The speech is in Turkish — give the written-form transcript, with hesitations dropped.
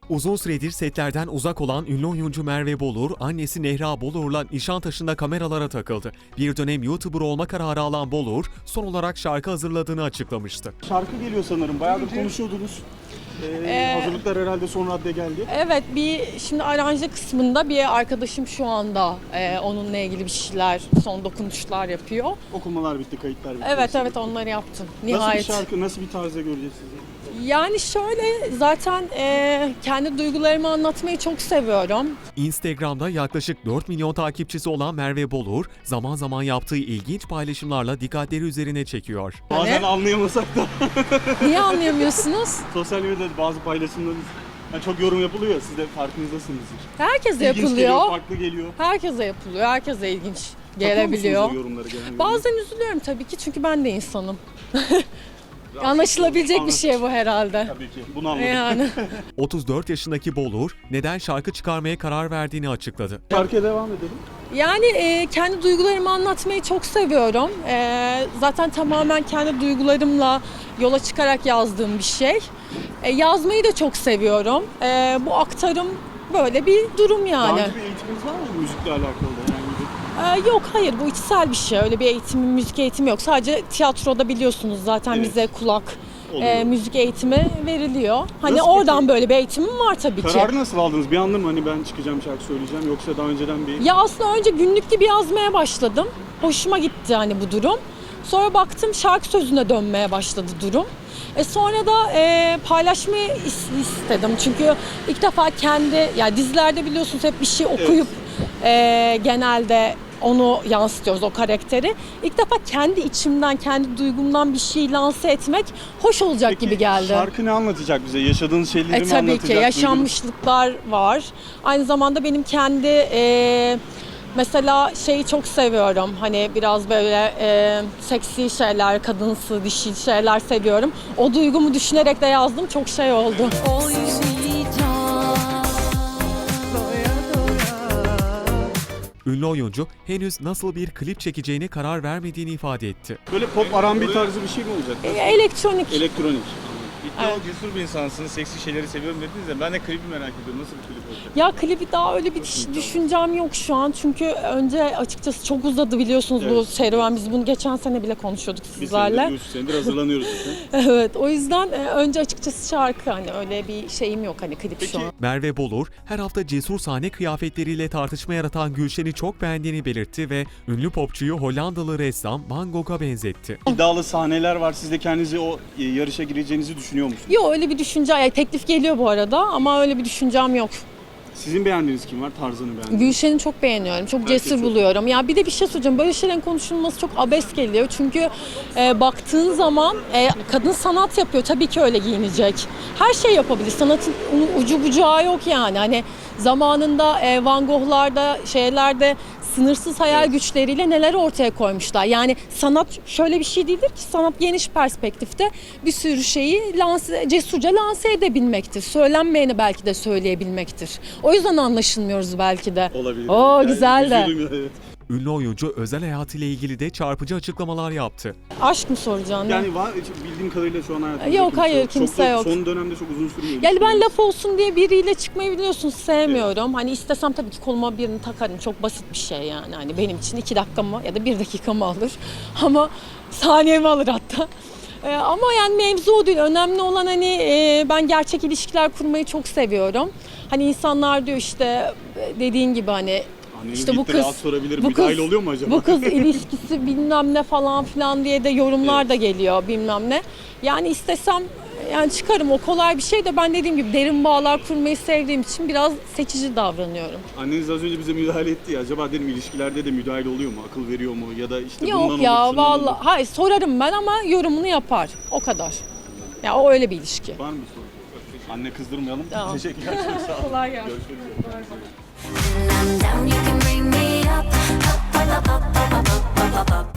Uzun süredir setlerden uzak olan ünlü oyuncu Merve Bolur, annesi Nehra Bolur'la Nişantaşı'nda kameralara takıldı. Bir dönem YouTuber olma kararı alan Bolur, son olarak şarkı hazırladığını açıklamıştı. Şarkı geliyor sanırım. Bayağı da konuşuyordunuz. Hazırlıklar herhalde son raddeye geldi. Evet, şimdi aranje kısmında bir arkadaşım şu anda onunla ilgili bir şeyler, son dokunuşlar yapıyor. Okumalar bitti, kayıtlar bitti. Evet onları yaptım. Nihayet. Nasıl bir şarkı, nasıl bir tarzda göreceğiz sizi? Yani şöyle, zaten kendi duygularımı anlatmayı çok seviyorum. Instagram'da yaklaşık 4 milyon takipçisi olan Merve Bolur, zaman zaman yaptığı ilginç paylaşımlarla dikkatleri üzerine çekiyor. Bazen anlayamasak da. Niye anlayamıyorsunuz? Sosyal medyada bazı paylaşımlarınız çok yorum yapılıyor ya, siz de farkındasınızdır. Herkese İlginç yapılıyor. geliyor, farklı geliyor. Herkese yapılıyor. Herkese ilginç Takıyor gelebiliyor. musunuz o yorumları genelde? Bazen üzülüyorum tabii ki, çünkü ben de insanım. Anlaşılabilecek bir şey bu herhalde. Tabii ki, bunu anladım. Yani. 34 yaşındaki Bolur, neden şarkı çıkarmaya karar verdiğini açıkladı. Şarkıya devam edelim. Yani kendi duygularımı anlatmayı çok seviyorum. Zaten tamamen kendi duygularımla yola çıkarak yazdığım bir şey. Yazmayı da çok seviyorum. Bu aktarım böyle bir durum yani. Daha önce bir eğitiminiz var mı müzikle alakalı? Yok, hayır, bu içsel bir şey. Öyle bir eğitimim, müzik eğitimi yok. Sadece tiyatroda biliyorsunuz zaten Evet. bize kulak, Oluyor. müzik eğitimi veriliyor. Hani Nasıl oradan peki? böyle bir eğitimim var tabii ki. Kararı nasıl aldınız? Bir anda mı hani ben çıkacağım şarkı söyleyeceğim, yoksa daha önceden bir... Ya aslında önce günlük gibi yazmaya başladım. Hoşuma gitti hani bu durum. Sonra baktım şarkı sözüne dönmeye başladı durum. Sonra da paylaşmayı istedim. Çünkü ilk defa yani dizilerde biliyorsunuz hep bir şey okuyup genelde onu yansıtıyoruz, o karakteri. İlk defa kendi içimden, kendi duygumdan bir şey lanse etmek hoş olacak Peki, gibi geldi. şarkı ne anlatacak bize? Yaşadığınız şeyleri mi Tabii anlatacak? ki yaşanmışlıklar var. Aynı zamanda benim kendi mesela şeyi çok seviyorum. Hani biraz böyle seksi şeyler, kadınsı, dişil şeyler seviyorum. O duygumu düşünerek de yazdım. Çok şey oldu. Ünlü oyuncu, henüz nasıl bir klip çekeceğine karar vermediğini ifade etti. Böyle pop R&B tarzı bir şey mi olacak? Elektronik. Elektronik. İddialı, cesur bir insansınız, seksi şeyleri seviyorum dediniz de ben de klibi merak ediyorum. Nasıl bir klip olacak? Ya klibi daha öyle bir düşüncem yok şu an. Çünkü önce açıkçası çok uzadı biliyorsunuz bu Evet. serüven. Biz bunu geçen sene bile konuşuyorduk Bir sizlerle. senedir, 3 senedir hazırlanıyoruz zaten. Evet, o yüzden önce açıkçası şarkı, hani öyle bir şeyim yok hani klip Peki, şu an. Merve Bolur, her hafta cesur sahne kıyafetleriyle tartışma yaratan Gülşen'i çok beğendiğini belirtti ve ünlü popçuyu Hollandalı ressam Van Gogh'a benzetti. iddialı sahneler var. Siz de kendinizi o yarışa gireceğinizi düşünüyor musunuz? Yok, öyle bir düşünce, yani teklif geliyor bu arada ama öyle bir düşüncem yok. Sizin beğendiğiniz kim var? Tarzını beğendiğiniz? Gülşen'i çok beğeniyorum, çok Herkes cesur çok- buluyorum. Ya bir de bir şey söyleyeceğim, böyle şeylerin konuşulması çok abes geliyor. Çünkü baktığın zaman kadın sanat yapıyor, tabii ki öyle giyinecek. Her şey yapabilir, sanatın ucu bucağı yok yani. Hani zamanında Van Gogh'larda, şeylerde sınırsız hayal güçleriyle neler ortaya koymuşlar. Yani sanat şöyle bir şey değildir ki, sanat geniş perspektifte bir sürü şeyi cesurca lanse edebilmektir. Söylenmeyeni belki de söyleyebilmektir. O yüzden anlaşılmıyoruz belki de. Olabilir. Oo, güzel de. üzüldüm, evet. Ünlü oyuncu özel hayatıyla ilgili de çarpıcı açıklamalar yaptı. Aşk mı soracaksın? Yani var, bildiğim kadarıyla şu an hayatımda Yok, hayır, kimse yok. Son dönemde çok uzun sürmüyor. Yani ben laf olsun diye biriyle çıkmayı biliyorsunuz sevmiyorum. Hani istesem tabii ki koluma birini takarım. Çok basit bir şey yani. Hani benim için 2 dakikamı ya da 1 dakikamı alır. Ama saniyemi alır hatta. Ama yani mevzu o değil. Önemli olan hani ben gerçek ilişkiler kurmayı çok seviyorum. Hani insanlar diyor işte dediğin gibi hani Anneniz İşte bu gitti, kız- rahat sorabilir. bu Müdahil kız- oluyor mu acaba? bu kız ilişkisi bilmem ne falan filan diye de yorumlar da geliyor bilmem ne. Yani istesem yani çıkarım, o kolay bir şey de ben dediğim gibi derin bağlar kurmayı sevdiğim için biraz seçici davranıyorum. Anneniz az önce bize müdahale etti ya. Acaba dedim, ilişkilerde de müdahil oluyor mu? Akıl veriyor mu? Ya da işte bundan Yok olur, ya şundan olur. vallahi, hayır sorarım ben ama yorumunu yapar. O kadar. Ya o öyle bir ilişki. Var mı bir soru? Anne kızdırmayalım. Tamam. Teşekkürler. Çok sağ olun. Kolay gelsin. Görüşmek üzere. When I'm down, you can bring me up, up, up, up, up, up, up, up, up, up.